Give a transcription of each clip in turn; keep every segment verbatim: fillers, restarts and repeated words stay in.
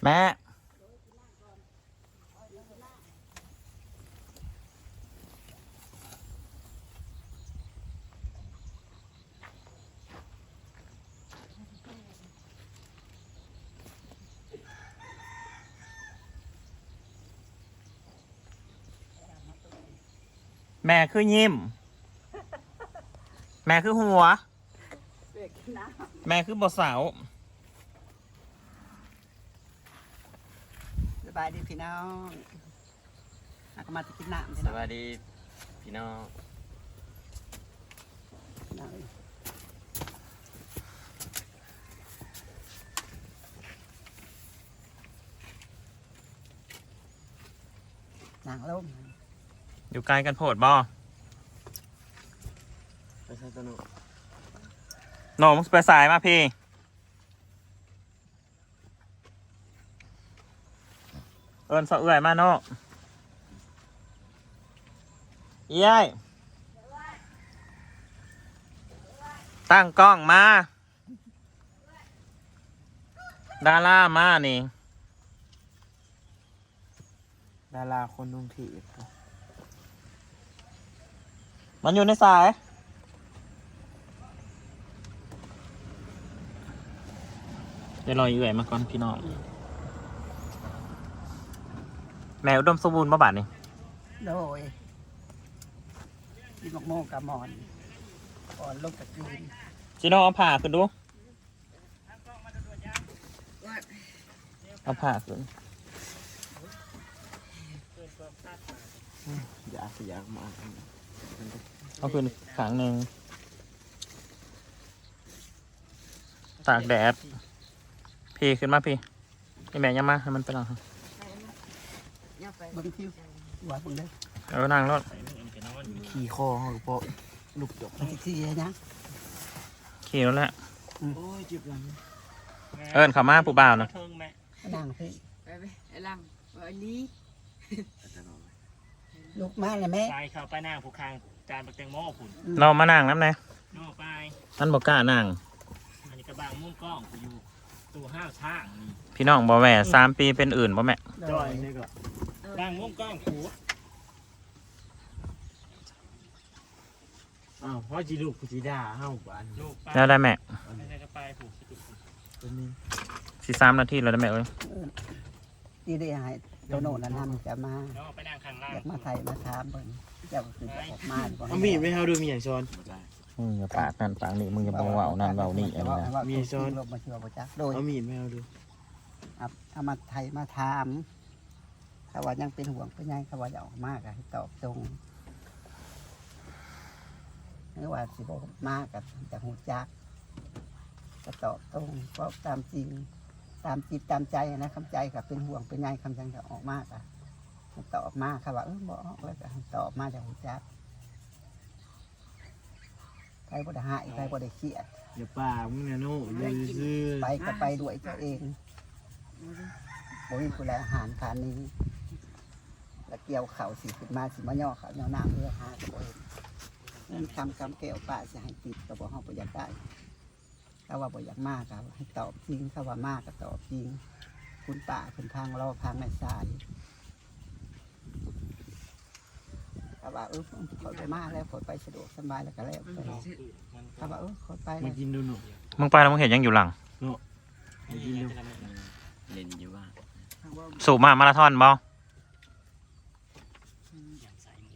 แม่แม่คือยิ้มแม่คือหัวแม่คือบทสาวสบายดีพี่น้องอาก็มาจะกินน้ำพี่สน้องวัสดีพี่น้องน้ำนางลมอยู่ไกลกันโพดบ่ไปใช้ตัวหนูโหน่มึงไปสายมาพี่เอิญสะเอื่อยมาโน่เย้ยตั้งกล้องมาดารามานี่ดาราคนนุ่งถีบมันอยู่ในสายเดี๋ยวรอเอื่อยมาก่อนพี่น้องแมวอุดมสมบูรณ์มาบาดนี่โดยกินมะม่วงกับหมอนก่อนลงกับจีนจีโน่เอาผ่าขึ้นดูเอาผ่าขึ้นอยากสิอยากมาเอาขึ้นขางหนึ่งตากแดดพี่ขึ้นมาพี่นี่แม่ยังมาให้มันไปหลังบางทีหัวบางเด้อเอานั่งรถขี่คอเขาหรือเปล่าลูกจกบางทีนะขี่รถแล้วโอ้ยเจ็บหลังเอิญเขามาปูบ่าวนะนางพี่ไปไปไอ้ลังไอ้นี้ลูกมาเลยแม่ไปเข้าไปนั่งผู้คางจานปักแตงโมผุนเรามานั่งน้ำไหนโน่ไปท่านบอกกล้านั่งอันนี้กระบางมุ่งกล้องกูอยู่ตัวห้าวช่างนี่พี่น้องบ่แม่สามปีเป็นอื่นบ่แม่โดจอยยนี่ก็บางมุ่งกล้องกูอ้าวพ่อจีลูกกูจีด่าเฮ้าบ้านลูกไปแล้วได้แม่ไม่ได้ก็ไปผูกตัวนี้สี่สามนาทีแล้วได้แม่เอ้ยที่ได้ให้โตโน่นนั่นจะมาโน่ไปนั่งข้างล่างอยากมาไทยมาถามเบิ่งเจ้าก็คือจะออกมาบ่เอามีดไม่เฮาดูมีอย่างช้อนมึงอย่าปากนั่นปากนี่มึงอย่าบอกว่าเอานั่นเบานี่อันนี้นะมีซ้อนลงมาเชื่อบ่จักโดยเอามีดไม่เฮาดูเอาเอามาไทยมาถามถ้าว่ายังเป็นห่วงเป็นใยถ้าว่าอยากออกมากอะให้ตอบตรงหรือว่าสิบมากกับจะหูจักก็ตอบตรงเพราะตามจริง ตามจิตตามใจนะคำใจกับเป็นห่วงเป็นใยคำจังจะออกมากอะให้ตอบมากค่ะว่าเออบอกแล้วก็ให้ตอบมาจากหูจักใครบ่ได้หายใครบ่ได้เครียดอย่าป่ามึงนะโน่เลยซื้อไปก็ไปด้วยตัวเองบ่มีผู้ใดอาหารทานนี้ แล้วเกี่ยวเข่าสิขึ้นมาสิมาย่อเขาย่อน้ำเพื่อหาตัวเองเงินคำคำแก้วป้าจะให้ติดก็บอกเขาบ่อยากได้ถ้าว่าบ่อยากมากก็ให้ตอบจริงถ้าว่ามากก็ตอบจริง คุณป้าคุณทางเราทางแม่สายถ้าว่าเออขอไปมาแล้วขอไปสะดวกสบายแล้วก็แล้วไปถ้าว่าเออขอไปมาแล้วกินดูหนูมึงไปแล้วมึงเห็นยังอยู่หลังมากินดูเล่นอยู่ว่าสูบมามาราธอนบ่อย่างใส่เลย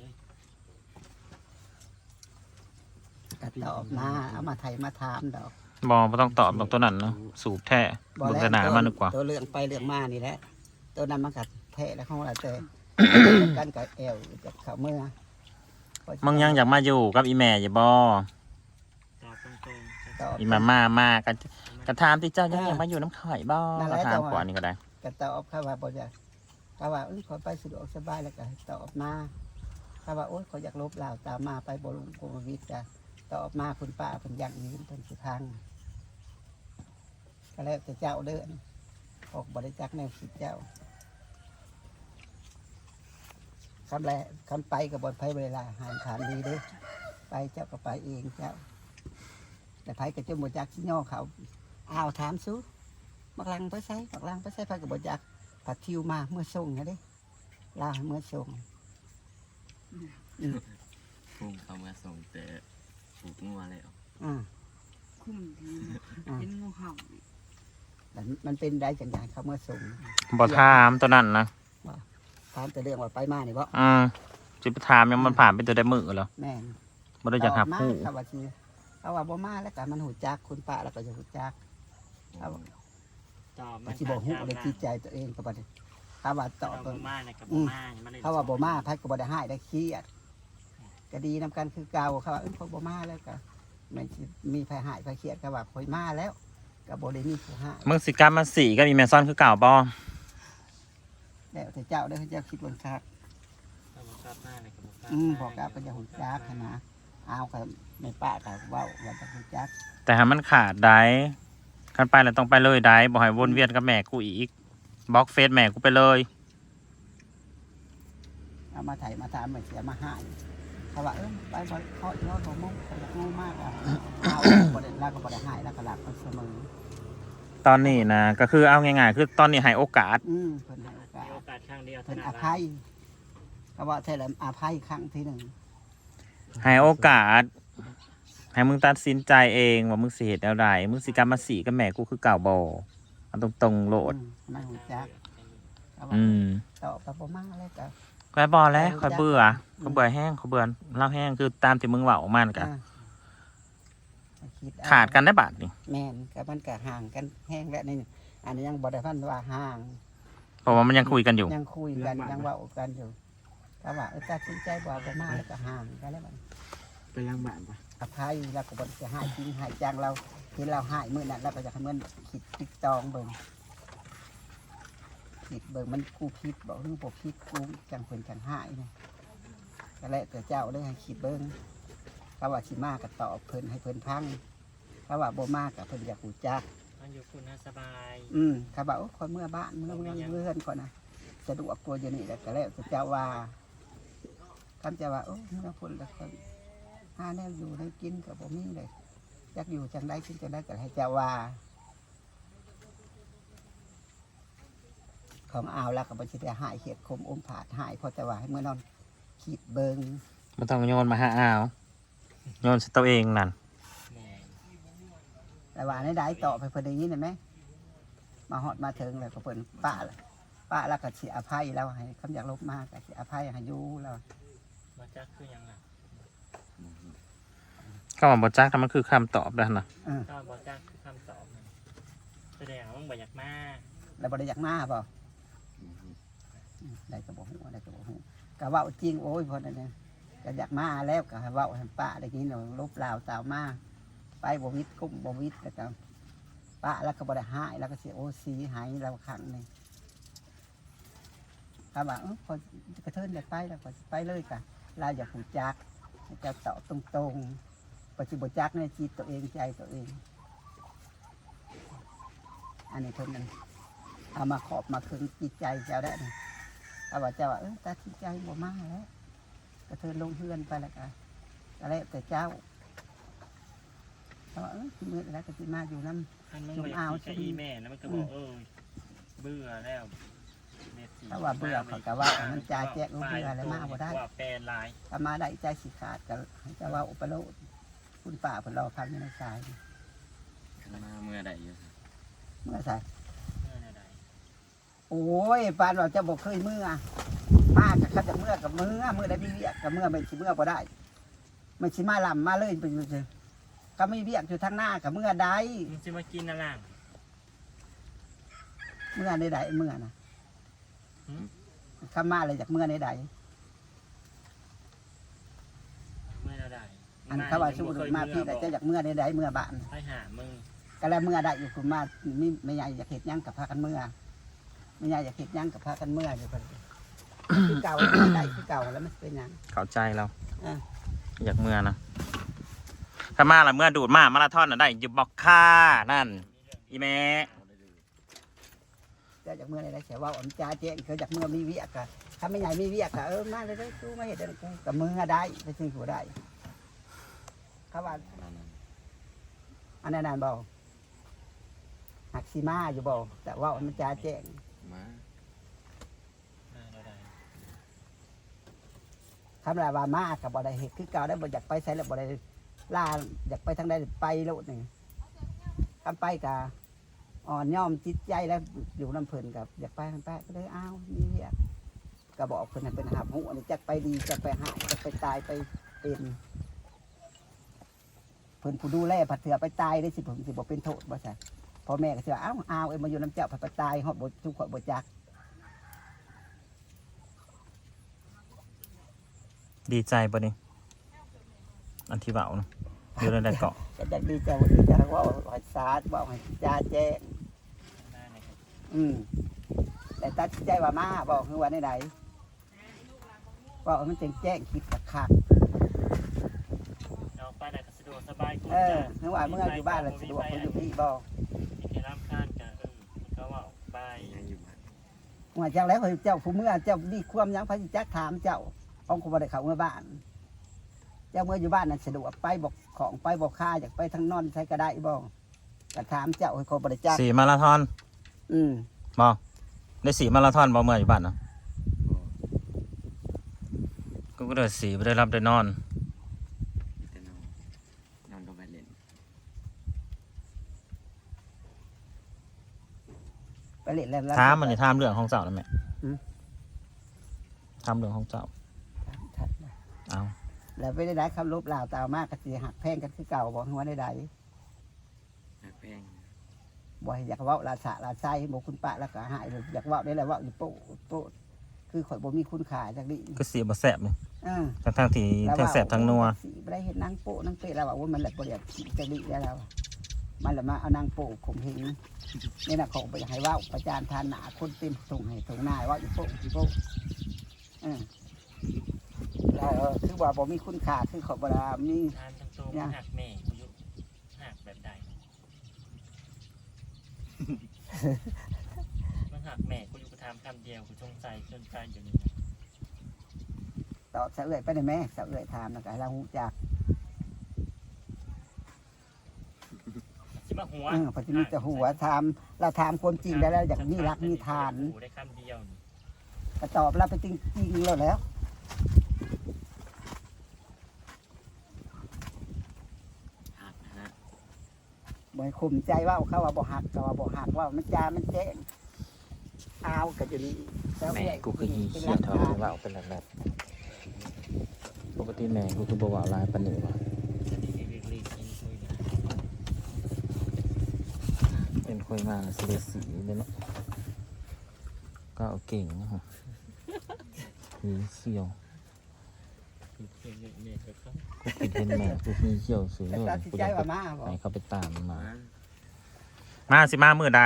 ก็ตอบมาเอามาไทยมาถามดอกบอไม่ต้องตอบดอกตัวนั้นเนาะสูบแท้เบิ่งแต่หนามานึกว่าตัวเรื่องไปเรื่องมานี่แหละตัวนั้นมันกัดแทะแล้วของเราแต่ กันกับแอวกับเขาเมื่อมึงยังอยากมาอยู่กับอีแม่อย่าบอตอบตรงตอบอีมามามากันกระทามที่เจ้ายังอยากมาอยู่น้ำข่อยบ่กระทามกว่านี่ก็ได้ก็ตอบเขาว่าบ่อยากเขาว่าเอ้ยขอไปสะดวกสบายแล้วก็ให้ตอบมาเขาว่าโอ๊ยขออยากลบลาวตามมาไปบรุงโควิดจ้ะตอบมาคุณป้าคุณยังยืนเป็นสุทางก็แล้วแต่เจ้าเดินออกบริจาคแนวคิดเจ้าคำแรกคำไปกับบนไพ่เวลาหารฐานดีเด้อไปเจ้าก็ไปเองเจ้า แต่ไพ่กับเจ้าหมดจักที่ย่อเขาอ้าวถามสู้บักลังไปใส่บักลังไปใส่ไปกับบจักผัดทิวมาเมื่อส่งนะเด้ลาเมื่อส่งพุ่งเข้ามาส่งแต่ผูกงัวแล้วอ่าคุ้มดีเห็นงูเห่าแต่มันเป็นได้จังอย่างเขาเมื่อส่งบ่ถามตัวนั้นนะถามแต่เรื่องว่าไปมานี่บ่อืมสิไปถามยังมันผ่านไปตัวได้มือแล้วแม่นบ่ได้อยากหับมาผู้เขาว่าสิเขาว่าบ่มาแล้วก็มันหูจักคุณป้าแล้วก็จะหูจักเขาตอบว่าสิบ่ฮู้ได้จิตใจตัวเองก็บ่ได้เขาว่าตตออบบบ่มาในกับบ่มามันเลยเขาว่าบ่มาไผก็บ่ได้ให้ได้เครียดก็ดีนํกันคือเก่าเขาว่าเอ้ยเขาบ่มาแล้วก็แม่นสิมีไผให้ไผเครียดก็ว่าข่อยมาแล้วก็บ่ได้มีผู้ให้มึงสิกรรมมาสี่ก็มีแมซอนคือเก่าบ่แล้วแต่เจ้าได้อเจ้าคิดว่าคักตอบบ่กลับมาในกับบ่กลับอืมบอกกลับก็จะหูจักหั้นนะเอากับในป้าก็เว้าว่าจะหูจักแต่หามันขาดได้คันไปแล้วต้องไปเลยได้บ่ให้วนเวียนกับแม่กูอีกบล็อกเฟซแม่กูไปเลยเอามาไถมาถามมาเสียมาให้เขาว่าเออไปบ่เขาอีกแล้วบ่มุ่งเขาอยากงูมากอ่ะเอาบ่ได้แล้วก็บ่ได้ให้แล้วก็หลับเสมอตอนนี้นะก็คือเอาง่ายๆคือตอนนี้ให้โอกาสอืมเพิ่นให้โอกามีสโอกาสครั้งเดียวเพิ่นเท่าอนั้นภัยก็ว่าแท้แล้วอภัยครั้งที่หนึ่งให้โอกาส ให้มึงตัดสินใจเองว่ามึงสิเหตุอะไรมึงสิกรรมมาสี่กับแม่กูคือเก่าบ่เอาตรงๆโลดอืมไม่หูจักเขาว่าอืมตอบกับบ่มาแล้วก็ก็บอแล้วคอยเบื่อเขาเบื่อแห้งเขาเบื่อเล่าแห้งคือตามที่มึงเว่าออกมานั่นกันอ่าคิเอขาดกันได้บาทนี่แม่นกับมันก็ห่างกันแห้งแล้วนี่อันนี้ยังบ่ได้พันว่าห่างเพราะว่ามันยังคุยกันอยู่ยังคุยกันยังเว่ากันอยู่ก็ว่าเออตัดสินใจบ่เอาบ่มาแล้วก็ห่างกันแล้วมันไปล้างบ้านปะอภัยแล้วก็บ่จะหายจริงหายจังเราเห็นเราหายมื้อนั้นเราก็จะให้มันคิดติดตองเบิ่งคิดเบิ่งมันกูผิดบ่หรือบ่ผิดกูจังเพิ่นจังหายนี่ก็แล้วแต่เจ้าเด้อให้คิดเบิ่งก็ว่าสิมาก็ตอบเพิ่นให้เพิ่นพังก็ว่าบ่มาก็เพิ่นอยากรู้จักมันอยู่คุณสบายอืมเขาบอกว่าคนเมื่อบ้านเมื่อเมื่อเมื่อนก่อนนะสะดวกกว่าอยู่นี่แหละก็แล้วแต่เจ้าว่าคำจะว่าโอ้เมื่อคนละคนหาแนวอยู่ได้กินกับผมนี่เลยอยากอยู่จังได้กินจังได้ก็ให้เจ้าว่า ของเอาแล้วก็บัญชีได้หายเขียดคมอมผาดหายเพอจะว่าให้เมื่อนอนขีดเบิงมันต้องโยนมาหาอ้าวโยนใส่ตัวเองนั่นแม่แต่ว่าในได้ต่อไปเพิ่นได้ยินเห็นไหมมาหอดมาถึงเลยก็เพิ่นป้าเลยป้าแล้วก็เสียอภัยแล้วให้คำอยากลบมากก็เสียอภัยให้อยูแล้วมาจักคือยังไงก็มาบอจักแต่มันคือคำตอบแล้วนะก็บ่จักคือคำตอบนั่นแสดงว่ามึงบ่อยากมาแล้วบริยักหน้าเปล่าได้กระบอกหัวได้กระบอกหัวกะว่าจริงโอ้ยพอนั่นเองก็อยากมาแล้วก็ให้เว่าให้ป้าได้กินเราลบลาวสาวมาไปบวิทกุ้มบวิทแล้วก็ป้าแล้วก็บริหายแล้วก็เสียโอซีหายเราขังหนึ่งถ้าว่าเออพอกระเทินได้ไปแล้วก็ไปเลยกะเราอย่าผูจักจะตอบตรงๆปัจจุบันจักในจิตตัวเองใจตัวเอง อันนี้เพิ่นนั้นเอามาขอบมาคืนจิตใจเจ้าได้นะเอาว่าเจ้าว่าเออตาจิตใจบ่มาแล้วกระเทินลงเฮือนไปแล้วก็ก็แล้วแต่เจ้าเอาว่าเออที่มือแล้วก็สิมาอยู่น้ำท่านมึงบ่อยากกินกับอีแม่แล้วมันก็บอกเออเบื่อแล้วถ้าว่าเบื่อเขาก็ว่ามันจ่าแจกรู้เบื่อแล้วมาบ่ได้ว่าแปลนลายถ้ามาได้ใจสิขาดก็ให้เจ้าว่าอุปโลกคุณป่าเพิ่นรอพักอยู่ในสายมาเมื่อใดอยู่เมื่อสายเมื่อใดโอ้ยปานเราจะบอกเคยเมื่อมากกับเขาจะเมื่อกับเมื่อเมื่อได้มีเวียกกับเมื่อไม่ชิเมื่อบ่ได้ไม่ชิมาลำมาเลยไปอยู่เลยก็ไม่เวียกอยู่ทางหน้ากับเมื่อใดมึงจะมากินอะไรเมื่อใดใดเมื่อนะข้ามาเลยจากเมื่อใดใดเมื่อใดอันเขาว่าสู้มาพี่แต่จะจากเมื่อใดใดเมื่อบ้านไปหามึงก็แล้วเมื่อใดอยู่คุณมาไม่ไม่ใหญ่อยากเห็ดยั่งกับพากันเมื่อไม่ใหญ่อยากเห็ดยั่งกับพากันเมื่ออยู่คนคือเก่าได้คือเก่าแล้วมันเป็นยังเข้าใจเราอ่ะอยากเมื่อนะถ้ามาละเมื่อดูดมามาราธอนน่ะได้อยู่บอกค่านั่นอีแม่จะจากเมื่อใดใดเสียว่าอ่อนจ้าเจ๊งเขาจากเมื่อมีเวียกอะถ้าไม่ใหญ่มีเวียกอะเออมาเลยได้สู้มาเห็ดได้กูกับมือได้ไปซื้อหัวได้เขาว่าอันนั้นนานเบาหักซีมาอยู่บ่แต่ว่ามันจ้าแจ้งมามาเราได้คำลาว่ามากับบ่ได้เฮ็ดคือเก่าได้บ่อยากไปไสแล้วบ่ได้ล่าอยากไปทางใดไปโลดนี่คำไปกะอ่อนย่อมจิตใจแล้วอยู่น้ำเพิ่นกับอยากไปทางไปก็เลยอ้าวนี่เรียกก็บอกเพิ่นให้เป็นหาบหูอันนี้จักไปดีจักไปหายจักไปตายไปเป็นเพิ่นผู้ดูแลผัดเถื่อไปตายได้สิผมสิบ่เป็นโทษบ่ใช่พ่อแม่ก็สิว่าอ้าวอ้าวเอ้ยมาอยู่น้ำเจ้าผัดไปตายฮอดบ่ทุกข์บ่จักดีใจปะนี่อันที่เบาเนาะอยู่ในใดเกาะก็จะดีใจว่าดีใจว่าให้สาดว่าให้จ้าแจ้งมาเนี่ยครับอืมแต่ตัดสินใจว่ามาบอกคือว่าไหนๆว่ามันแจ้งแจ้งคิดขัดขัดเอาไปไหนก็สะดวกสบายกูเออคือว่าเมื่ออยู่บ้านเราสะดวกเขาอยู่ที่บอกที่แค่รำคาญกันเออมันก็ว่าไปยังอยู่บ้านเมื่อเจ้าแล้วเขาเจ้าผู้เมื่อเจ้าดีความยังพระสิจักถามเจ้าของคุณบ่ได้เขาเมื่อบ้าน เจ้าเมื่ออยู่บ้านนั้นสะดวกไปบอกของไปบอกค่าอยากไปทางนอนใช้ก็ได้บอกก็ถามเจ้าให้เขาบริจาคสี่มาราธอนอืมบอได้สี่มาราธอนบอเมื่ออยู่บ้านเนาะบ่กูก็เดินสี่ไม่ได้รับได้นอนมีแต่นอนนอนก็ไปเล่นไปเล่นแล้วถามมันนี่ถามเรื่องของเจ้านะแม่อืมถามเรื่องของเจ้าทัดนะเอาแล้วไม่ได้ได้คำลบลาวตาวมากก็สิหักแพงกันคือเก่าบอกว่าได้ใดหักแป้งบ่อยากเว่าลาสะลาไส้บอกคุณป้าแล้วก็หายเลยอยากเว่าได้แล้วว่าอยู่โป๊ะโป๊ะคือข่อยบ่มีคุณค่าจากนี้ก็สีบ่แสบเลยเออทั้งทั้งๆที่ทั้งแสบทั้งนัวสีไม่ได้เห็นนางโป๊ะนางเปะแล้วว่ามันแหละบ่ได้จากนี้แล้ว มันละมาเอานางโป๊ะข่มเหงนี่นะเขาไปอยากให้เว่าประจานทานหนาคนเต็มส่งให้ส่งหน้าว่าอยู่โป๊ะอยู่โป๊ะเออแล้วเออคือว่าบ่มีคุณค่าคือเขาบ่ได้มีทานทั้งตัวมันหักแม่กูอยู่หักแบบใดมันหักแม่กูอยู่กูทำคำเดียวกูจงใจจนใจอยู่นี่ตอบเสะเอื่อยไปได้ไหมเสะเอื่อยถามนะก็ให้เราหูจักสิมาหัวเออพอจะมีแต่หัวถามเราถามความจริงแล้วเราอยากมีรักมีทานกูได้คำเดียวนี่ก็ตอบเราไปจริงจริงๆแล้วแล้วหักนะบ่ให้ข่มใจว่าเขาว่าบ่หักก็ว่าบ่หักว่ามันจามันแจ้งเอาก็จะดีเสะแม่เอื่อยกูคือฮีเป็นเขียรันกเท่าทานที่ว่าเป็นแบบปกติแม่กูคือบ่ว่าลายปานนี้ว่ะจะดีเรียกเรียกกินคุยกันเป็นคุยมาสีเหลืองสีเลยเนาะก็เอาเก่งนะฮะฮีเขียวคือเรียกเรียกก็กูคิดเห็นแม่กูฮีเขียวสวยแต่เลยตัดสินกูใจอยากว่ามาบ่ให้เขาไปตามมันมามามาสิมามือใด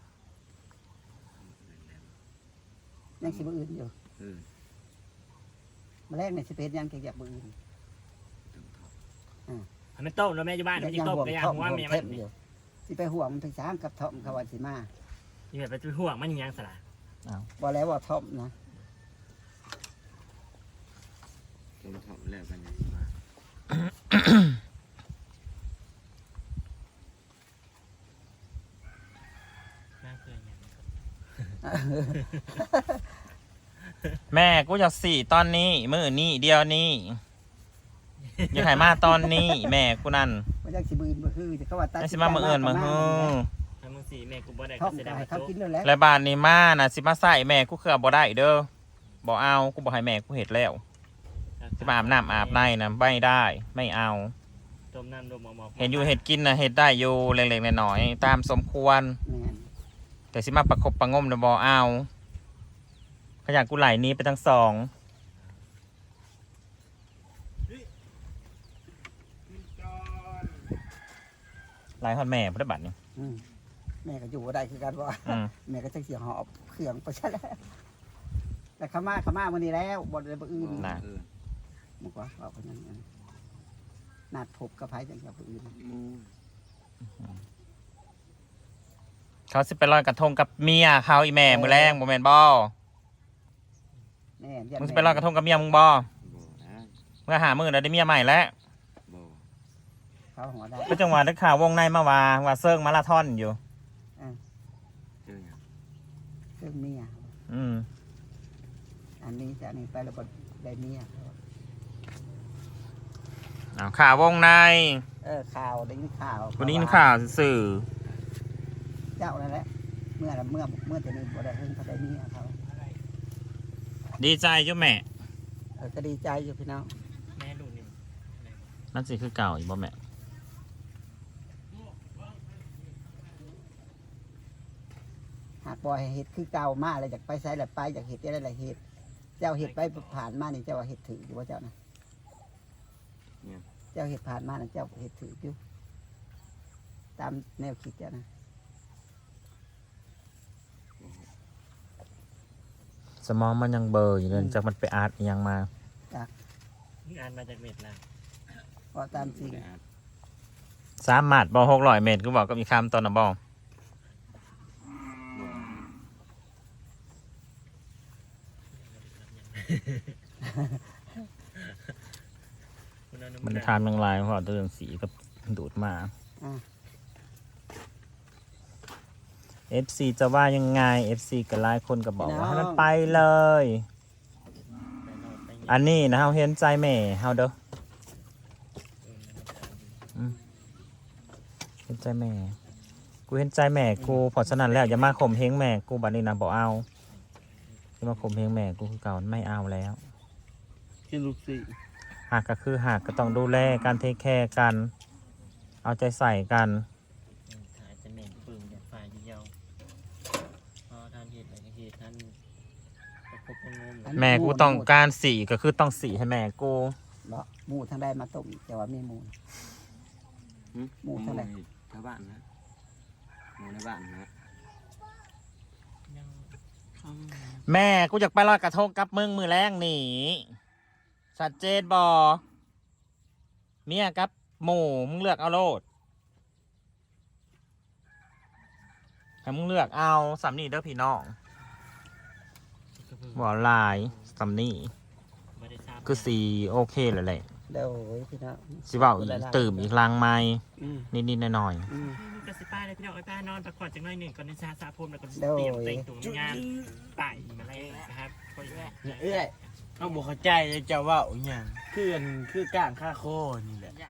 ยังสิบ่อื่นอยู่เออมาแรกในสิเพชยังเกี่ยวกับบ่อื่นทำไม่ต้มแล้วแม่อยู่บ้านไม่ยัได้ต้มห่วงก็ยังท่อมหัวห่วงแม่มัเทนมอยู่สิไปห่วงมันถึงช้างกับท่อมเขาว่าสิมานี่แบบไปห่วงมันยังสละบ่แล้วว่าท่อมนะต้มทอดแล้วกันยังสิมาน่าเคยยังแม่กูอยากสี่ตอนนี้ มือนี้เดียวนี้อยากให้มาตอนนี้ แม่กูนั่นว่าจังสิบืนบ่คือจะเขาว่าตัดไม่สิมามือเอินมาฮือถ้ามึงสี่แม่กูบ่ได้ท่ก็อมเสียก็ดายให้เขาโจ๊กกินแล้วแหละและบ้านนี้มาน่ะสิมาใส่แม่กูคือบ่ได้เด้อบ่เอากูบ่ให้แม่กูเห็ดแล้วสิมาอาบน้ำอาบในนะไม่ได้ ไม่เอาต้มน้ำรวมหมอกเห็นอยู่เห็ดกินนะเห็ดได้อยู่เล็กๆน้อยๆตามสมควรแม่นแต่สิมาประคบประงมนะบ่เอาขยันกูไหลหนี้ไปทั้งสองไหลฮอดแม่พุทธบัตรนี่อืมแม่ก็อยู่บ่ได้คือกันว่าอืมแม่ก็จังสิหอบเครื่องไปซะแล้วแต่ขามาขามามื้อนี้แล้วบ่ได้บ่อื่นน่ะเออบอกว่าว่าเพิ่นนั้นนัดพบกับไผจังกับผู้อื่นหมูเขาสิไปลอยกระทงกับเมียเขาอีแม่มือแรงบ่แม่นบ่แม่นยันมึงสิไปลอยกระทงกับเมียมึงบ่บ่นะเมื่อหามือแล้วได้เมียใหม่แล้วบ่เขาหัวได้ก็จังหวะได้ข่าววงในมาว่าว่าเซิงมาราธอนอยู่เออเรื่องเมียอืมอันนี้จากนี้ไปเราก็ได้เมียเอาข่าววงในเออข่าวได้ยินข่าววันนี้ข่าวสื่อเจ้านั่นแหละเมื่อเมื่อเมื่อจะนี้บ่ได้เพิ่งเขาได้เมียเขาดีใจจ้ะแม่เออก็ดีใจอยู่พี่น้องแม่ดูนี่นั่นสิคือเก่าอีกบ่แม่หากบ่ให้เห็ดคือเก่ามากเลยอยากไปใช้แหละไปอยากเห็ดได้หลายเห็ดเจ้าเห็ดไปผ่านมานี่เจ้าว่าเห็ดถืออยู่ว่าเจ้านะเจ้าเห็ดผ่านมานะเจ้าเห็ดถืออยู่ตามแนวคิดเจ้านะสมองมันยังเบลออยู่เลยจากมันไปอาร์ตอิหยังมางานมาจากเม็ดละเพราะตามจริงสามหมัดบอหกร้อยเมตรกูบอกก็มีคำตอนนะบอ มันทำยังไงเพราะตัวเรื่องสีก็ดูดมา เอฟ ซี จะว่ายังไง เอฟ ซี ก็หลายคนก็บอกว่าให้มันไปเลย อันนี้นะเฮาเห็นใจแม่เฮาเด้ออืมเห็นใจแม่ กูเห็นใจแม่กูเพราะฉะนั้นแล้วอย่ามาข่มเหงแม่กูบัดนี้นะบอกเอาอย่ามาข่มเหงแม่กูคือเก่าไม่เอาแล้วกินลูกสิหากก็คือหากก็ต้องดูแลการเทคแคร์กัน เอาใจใส่กันขายจะเหม็นปึงอย่าฝ่ายเดียวพอท่านเห็ดอะไรก็เห็ดท่านประคบประงมแม่กูต้องการสีก็คือต้องสีให้แม่กูเนาะหมูทางใดมาต้มแต่ว่าไม่หมู หมู่เท่าไหร่ชาวบ้านนะหมู่ในบ้านนะยังแม่กูอยากไปลอยกระทงกับมึงมือแรงหนีชัดเจนบอเมียกับหมูมึงเลือกเอาโลดให้มึงเลือกเอาสำนีเด้อพี่น้องบอลายสำนีไม่ได้ทราบคือสีโอเคเลยแหละเดี๋ยวพี่น้องสิเว่าอีกตื่มอีกลังไม้อืมนิดๆหน่อยอืมกระสิป้าเลยพี่น้องไอ้ป้านอนพักผ่อนจังหน่อยหนึ่งก่อนในชาซาพรมแล้วก็โดยเตรียมเต็งถุงงานไต่มาเลยนะครับก็อย่างเอ้ยเอาบอกเข้าใจเลยจะว่าอหย่างคืออันคือก้างค่าโคนี่แหละ